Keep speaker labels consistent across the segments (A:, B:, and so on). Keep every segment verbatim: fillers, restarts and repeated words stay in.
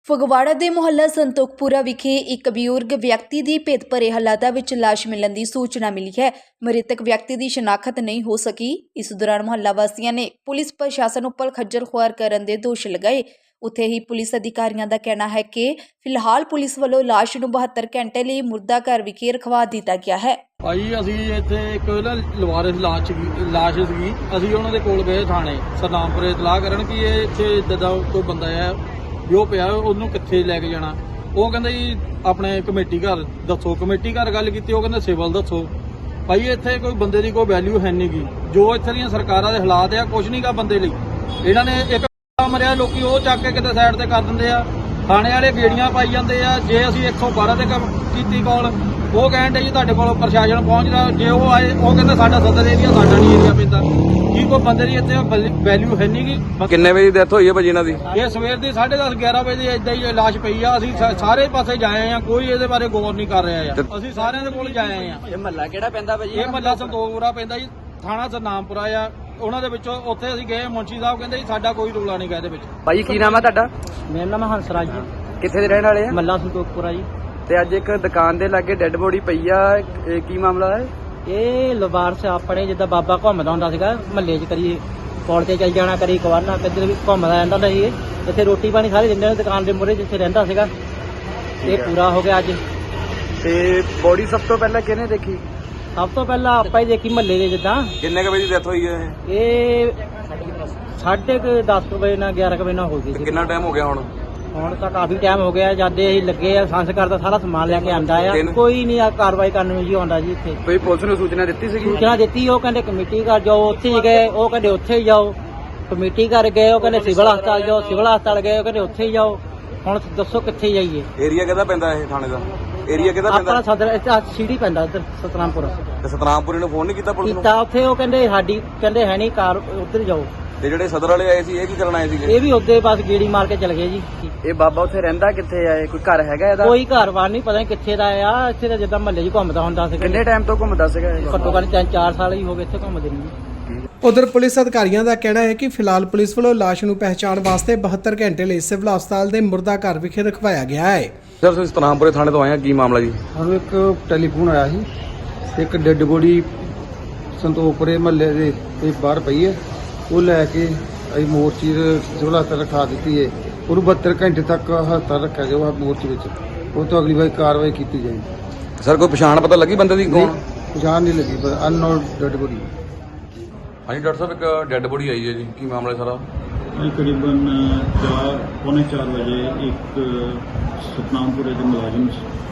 A: ਫਗਵਾੜਾ ਦੇ ਮੁਹੱਲਾ ਸੰਤੋਖਪੁਰਾ ਵਿਖੇ ਇੱਕ ਬਜ਼ੁਰਗ ਵਿਅਕਤੀ ਦੀ ਭੇਤ ਭਰੇ ਹਾਲਾਤਾਂ ਵਿੱਚ ਲਾਸ਼ ਮਿਲਣ ਦੀ ਸੂਚਨਾ ਮਿਲੀ ਹੈ। ਮ੍ਰਿਤਕ ਵਿਅਕਤੀ ਦੀ ਸ਼ਨਾਖਤ ਨਹੀਂ ਹੋ ਸਕੀ। ਇਸ ਦੌਰਾਨ ਮੁਹੱਲਾ ਵਾਸੀਆਂ ਨੇ ਪੁਲਿਸ ਪ੍ਰਸ਼ਾਸਨ ਉੱਪਰ ਖੱਜਲ ਖੁਆਰ ਕਰਨ ਦੇ ਦੋਸ਼ ਲਗਾਏ। ਉੱਥੇ ਹੀ ਪੁਲਿਸ ਅਧਿਕਾਰੀਆਂ ਦਾ ਕਹਿਣਾ ਹੈ ਕਿ ਫਿਲਹਾਲ ਪੁਲਿਸ ਵੱਲੋਂ ਲਾਸ਼ ਨੂੰ ਬਹੱਤਰ ਘੰਟੇ ਲਈ ਮੁਰਦਾ ਘਰ ਵਿਖੇ ਰਖਵਾ ਦਿੱਤਾ ਗਿਆ ਹੈ।
B: ਭਾਈ ਅਸੀਂ ਇੱਥੇ ਇੱਕ ਨਾ ਲਵਾਰਿਸ ਲਾਸ਼ ਸੀਗੀ ਲਾਸ਼ ਸੀਗੀ ਅਸੀਂ ਉਹਨਾਂ ਦੇ ਕੋਲ ਗਏ ਥਾਣੇ ਸਰਨਾਮਪੁਰੇ ਇਤਲਾਹ ਕਰਨ ਕਿ ਇਹ ਇੱਥੇ ਇੱਦਾਂ ਦਾ ਕੋਈ ਬੰਦਾ ਹੈ ਜੋ ਪਿਆ ਉਹਨੂੰ ਕਿੱਥੇ ਲੈ ਕੇ ਜਾਣਾ। ਉਹ ਕਹਿੰਦਾ ਜੀ ਆਪਣੇ ਕਮੇਟੀ ਘਰ ਦੱਸੋ। ਕਮੇਟੀ ਘਰ ਗੱਲ ਕੀਤੀ, ਉਹ ਕਹਿੰਦੇ ਸਿਵਲ ਦੱਸੋ। ਭਾਈ ਇੱਥੇ ਕੋਈ ਬੰਦੇ ਦੀ ਕੋਈ ਵੈਲਿਊ ਹੈ ਨਹੀਂ ਗੀ। ਜੋ ਇੱਥੇ ਦੀਆਂ ਸਰਕਾਰਾਂ ਦੇ ਹਾਲਾਤ ਆ ਕੁਝ ਨਹੀਂ ਗਾ ਬੰਦੇ ਲਈ। ਇਹਨਾਂ ਨੇ ਇੱਕ ਮਰਿਆ ਲੋਕੀ ਉਹ ਚੱਕ ਕੇ ਕਿਤੇ ਸਾਈਡ ਤੇ ਕਰ ਦਿੰਦੇ ਆ। ਥਾਣੇ ਵਾਲੇ ਗੇੜੀਆਂ ਪਾਈ ਜਾਂਦੇ ਆ। ਜੇ ਅਸੀਂ ਇੱਕ ਸੌ ਬਾਰਾਂ ਤੇ ਕੀਤੀ ਕਾਲ, ਉਹ ਕਹਿੰਦੇ ਜੀ ਤੁਹਾਡੇ ਕੋਲ ਪ੍ਰਸ਼ਾਸਨ ਪਹੁੰਚਦਾ। ਜੇ ਉਹ ਆਏ ਉਹ ਕਹਿੰਦਾ ਸਾਡਾ ਸਦਰ ਏਰੀਆ ਸਾਡਾ ਨਹੀਂ ਏਰੀਆ ਪੈਂਦਾ। ਕੀ ਕੋਈ ਬੰਦੇ ਦੀ ਇੱਥੇ ਵੈਲਿਊ ਹੈ ਨਹੀਂ ਗੀ।
C: ਕਿੰਨੇ ਵਜੇ ਡੈਥ ਹੋਈ ਹੈ ਭਾਜੀ ਇਹਨਾਂ ਦੀ?
B: ਇਹ ਸਵੇਰ ਦੀ ਸਾਢੇ ਦਸ ਗਿਆਰਾਂ ਵਜੇ ਏਦਾਂ ਹੀ ਲਾਸ਼ ਪਈ ਆ। ਅਸੀਂ ਸਾਰੇ ਪਾਸੇ ਜਾਏ ਆ, ਕੋਈ ਇਹਦੇ ਬਾਰੇ ਗੌਰ ਨਹੀਂ ਕਰ ਰਿਹਾ ਆ। ਅਸੀਂ ਸਾਰਿਆਂ ਦੇ ਕੋਲ ਜਾਏ ਆ।
C: ਇਹ ਮਹੱਲਾ ਕਿਹੜਾ ਪੈਂਦਾ ਭਾਜੀ?
B: ਇਹ ਮਹੱਲਾ ਸੰਤੋਖਪੁਰਾ ਪੈਂਦਾ ਜੀ, ਥਾਣਾ ਸਰਨਾਮਪੁਰਾ ਆ। ਉਹਨਾਂ ਦੇ ਵਿੱਚੋਂ ਉੱਥੇ ਅਸੀਂ ਗਏ, ਮੁੰਸ਼ੀ ਸਾਹਿਬ ਕਹਿੰਦੇ ਜੀ ਸਾਡਾ ਕੋਈ ਰੌਲਾ ਨਹੀਂ ਗਾ ਇਹਦੇ ਵਿੱਚ।
C: ਭਾਜੀ ਕੀ ਨਾਮ ਹੈ ਤੁਹਾਡਾ?
D: ਮੇਰਾ ਨਾਮ ਹੰਸਰਾਜ ਜੀ,
C: ਕਿੱਥੇ ਦੇ ਰਹਿਣ ਵਾਲੇ ਆ?
D: ਮੱਲਾ ਸੰਤੋਖਪੁਰਾ ਜੀ।
C: ਤੇ ਅੱਜ ਇੱਕ ਦੁਕਾਨ ਦੇ ਲਾਗੇ ਡੈੱਡ ਬੋਡੀ ਪਈ ਆ, ਇਹ ਕੀ ਮਾਮਲਾ ਹੈ?
D: ਇਹ ਲਵਾਰਸ ਆਪਣੇ ਜਿੱਦਾਂ ਬਾਬਾ ਘੁੰਮਦਾ ਹੁੰਦਾ ਸੀਗਾ ਮਹੱਲੇ 'ਚ, ਕਰੀ ਪੌੜ ਤੇ ਚੱਲ ਜਾਣਾ, ਕਰੀ ਕਵਾਰਨਾ, ਕਿੱਧਰ ਵੀ ਘੁੰਮਦਾ ਰਹਿੰਦਾ ਹੁੰਦਾ ਸੀ। ਇੱਥੇ ਰੋਟੀ ਪਾਣੀ ਸਾਰੇ ਦਿੰਦੇ ਨੇ ਦੁਕਾਨ ਦੇ ਮੂਹਰੇ ਜਿੱਥੇ ਰਹਿੰਦਾ ਸੀਗਾ। ਇਹ ਪੂਰਾ ਹੋ ਗਿਆ ਅੱਜ।
C: ਤੇ ਬੋਡੀ ਸਭ ਤੋਂ ਪਹਿਲਾਂ ਕਿਹਨੇ ਦੇਖੀ?
D: ਸਭ ਤੋਂ ਪਹਿਲਾਂ ਆਪਾਂ ਹੀ ਦੇਖੀ ਮਹੱਲੇ ਦੇ। ਜਿੱਦਾਂ
C: ਕਿੰਨੇ ਕੁ ਵਜੇ ਡੈਥ ਹੋਈ ਹੈ ਇਹ?
D: ਇਹ ਸਾਢੇ ਕੁ ਦਸ ਕੁ ਵਜੇ ਨਾਲ ਗਿਆਰਾਂ ਕੁ ਵਜੇ ਨਾਲ ਹੋ ਗਈ ਸੀ।
C: ਕਿੰਨਾ ਟਾਈਮ ਹੋ ਗਿਆ ਹੁਣ?
D: ਹੁਣ ਤਾਂ ਕਾਫੀ ਟਾਈਮ ਹੋ ਗਿਆ। ਜਦ ਅਸੀਂ ਲੱਗੇ ਆ ਸੰਸਕਾਰ ਦਾ ਸਾਰਾ ਸਮਾਨ ਲੈ ਕੇ ਆਂਦਾ ਆ।
C: ਦਿਨ-
D: ਕੋਈ ਨਹੀਂ ਆ ਕਾਰਵਾਈ ਕਰਨ ਨੂੰ ਜੀ ਆਉਂਦਾ ਜੀ ਇੱਥੇ।
C: ਕੋਈ ਪੁਲਿਸ ਨੂੰ ਸੂਚਨਾ ਦਿੱਤੀ ਸੀਗੀ?
D: ਸੂਚਨਾ ਦਿੱਤੀ, ਉਹ ਕਹਿੰਦੇ ਕਮੇਟੀ ਘਰ ਜਾਓ, ਉੱਥੇ ਹੀ ਗਏ। ਉਹ ਕਹਿੰਦੇ ਉੱਥੇ ਹੀ ਜਾਓ। ਕਮੇਟੀ ਘਰ ਗਏ, ਉਹ ਕਹਿੰਦੇ ਸਿਵਲ ਹਸਪਤਾਲ ਜਾਓ। ਸਿਵਲ ਹਸਪਤਾਲ ਗਏ, ਉਹ ਕਹਿੰਦੇ ਉੱਥੇ ਹੀ ਜਾਓ। ਹੁਣ ਦੱਸੋ ਕਿੱਥੇ ਜਾਈਏ?
C: ਏਰੀਆ ਕਿਹਦਾ ਪੈਂਦਾ ਇਹ ਥਾਣੇ ਦਾ? ਏਰੀਆ ਕਿਹਦਾ ਪੈਂਦਾ?
D: ਆਪਣਾ ਸਦਰ ਇੱਥੇ ਸੀੜੀ ਪੈਂਦਾ ਇੱਧਰ ਸਤਨਾਮਪੁਰ।
C: ਤੇ ਸਤਨਾਮਪੁਰੇ ਨੂੰ ਫੋਨ ਨਹੀਂ ਕੀਤਾ ਪੁਲਿਸ ਨੂੰ?
D: ਕੀਤਾ ਉੱਥੇ, ਉਹ ਕਹਿੰਦੇ ਸਾਡੀ ਕਹਿੰਦੇ ਹੈ ਨਹੀਂ ਕਾਰ, ਉੱਧਰ ਜਾਓ।
C: ਤੇ ਜਿਹੜੇ ਸਦਰ ਵਾਲੇ ਆਏ ਸੀ ਇਹ ਕੀ ਕਰਨ ਆਏ ਸੀਗੇ?
D: ਇਹ ਵੀ ਉੱਧੇ ਬਸ ਗੇੜੀ ਮਾਰ ਕੇ ਚਲੇ ਗਏ ਜੀ।
C: ਇਹ ਬਾਬਾ ਉੱਥੇ ਰਹਿੰਦਾ ਕਿੱਥੇ ਆ? ਕੋਈ ਘਰ ਹੈਗਾ ਇਹਦਾ?
D: ਕੋਈ ਘਰ-ਬਾਰ ਨਹੀਂ, ਪਤਾ ਨਹੀਂ ਕਿੱਥੇ ਦਾ ਆ। ਇੱਥੇ ਤਾਂ ਜਿੱਦਾਂ ਮਹੱਲੇ 'ਚ ਘੁੰਮਦਾ ਹੁੰਦਾ ਸੀ।
C: ਕਿੰਨੇ ਟਾਈਮ ਤੋਂ ਘੁੰਮਦਾ ਸੀਗਾ ਇਹ?
D: ਘੱਟੋ ਘੱਟ ਤਿੰਨ ਚਾਰ ਸਾਲ ਹੀ ਹੋ ਗਏ ਇੱਥੇ ਘੁੰਮਦੇ ਨੂੰ।
E: ਉਧਰ ਪੁਲਿਸ ਅਧਿਕਾਰੀਆਂ ਦਾ ਕਹਿਣਾ ਹੈ ਕਿ ਫਿਲਹਾਲ ਪੁਲਿਸ ਵੱਲੋਂ ਲਾਸ਼ ਨੂੰ ਪਹਿਚਾਣ ਵਾਸਤੇ ਬਹੱਤਰ ਘੰਟੇ ਲਈ ਸਿਵਲ ਹਸਪਤਾਲ ਦੇ ਮੁਰਦਾ ਘਰ ਵਿਖੇ ਰਖਵਾਇਆ ਗਿਆ ਹੈ।
C: ਸਰ ਤੁਸੀਂ ਸਤਨਾਮਪੁਰੇ ਥਾਣੇ ਤੋਂ ਆਏ ਆ, ਕੀ ਮਾਮਲਾ ਜੀ?
F: ਸਾਨੂੰ ਇੱਕ ਟੈਲੀਫੋਨ ਆਇਆ ਸੀ, ਇੱਕ ਡੈੱਡ ਬੋਡੀ ਸੰਤੋਖਪੁਰੇ ਮਹੱਲੇ ਦੇ ਤੇ ਬਾਹਰ ਪਈ ਹੈ। ਉਹ ਲੈ ਕੇ ਅਸੀਂ ਮੋਰਚੀ ਦੇ ਸਿਵਲ ਹਸਪਤਾਲ ਰਖਾ ਦਿੱਤੀ ਹੈ। ਉਹਨੂੰ ਬਹੱਤਰ ਘੰਟੇ ਤੱਕ ਹਸਪਤਾਲ ਰੱਖਿਆ ਜਾਊਗਾ ਮੋਰਚੀ ਵਿੱਚ। ਉਹ ਤੋਂ ਅਗਲੀ ਵਾਰ ਕਾਰਵਾਈ ਕੀਤੀ ਜਾਏਗੀ।
C: ਸਰ ਕੋਈ ਪਛਾਣ ਪਤਾ ਲੱਗੀ ਬੰਦੇ ਦੀ ਕੌਣ?
F: ਪਛਾਣ ਨਹੀਂ ਲੱਗੀ, ਪਰ ਅਨਨੋਨ ਡੈੱਡ ਬੋਡੀ।
C: ਹਾਂਜੀ ਡਾਕਟਰ ਸਾਹਿਬ, ਇੱਕ ਡੈੱਡ ਬੋਡੀ ਆਈ ਹੈ ਜੀ, ਕੀ ਮਾਮਲਾ ਸਾਰਾ?
G: ਅੱਜ ਕਰੀਬਨ ਚਾਰ ਪੌਣੇ ਚਾਰ ਵਜੇ ਇੱਕ ਸਤਨਾਮਪੁਰੇ ਦੇ ਮੁਲਾਜ਼ਮ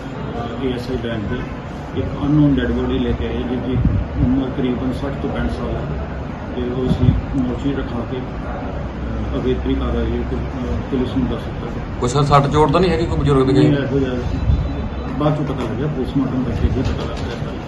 G: ਏ ਐਸ ਆਈ ਬੈਂਕ ਦੇ ਇੱਕ ਅਨਨੋਨ ਡੈਡ ਬੋਡੀ ਲੈ ਕੇ ਆਏ, ਜਿਹਦੀ ਉਮਰ ਕਰੀਬਨ ਸੱਠ ਤੋਂ ਪੈਂਹਠ ਸਾਲ ਹੈ। ਤੇ ਉਹ ਅਸੀਂ ਮੋਰਚੀ ਰਖਾ ਕੇ ਅਗੇਤਰੀ ਕਾਰਵਾਈ ਪੁਲਿਸ ਨੂੰ ਦੱਸ ਦਿੱਤਾ।
C: ਕੋਈ ਸਰ ਸੱਟ ਚੋਟ ਤਾਂ ਨਹੀਂ ਹੈਗੀ ਕੋਈ ਬਜ਼ੁਰਗ ਦੇ?
G: ਨਹੀਂ, ਇਹੋ ਜਿਹਾ ਬਾਅਦ ਚੋਂ ਪਤਾ ਲੱਗਿਆ, ਪੋਸਟਮਾਰਟਮ ਕਰਕੇ ਹੀ ਪਤਾ ਲੱਗਿਆ।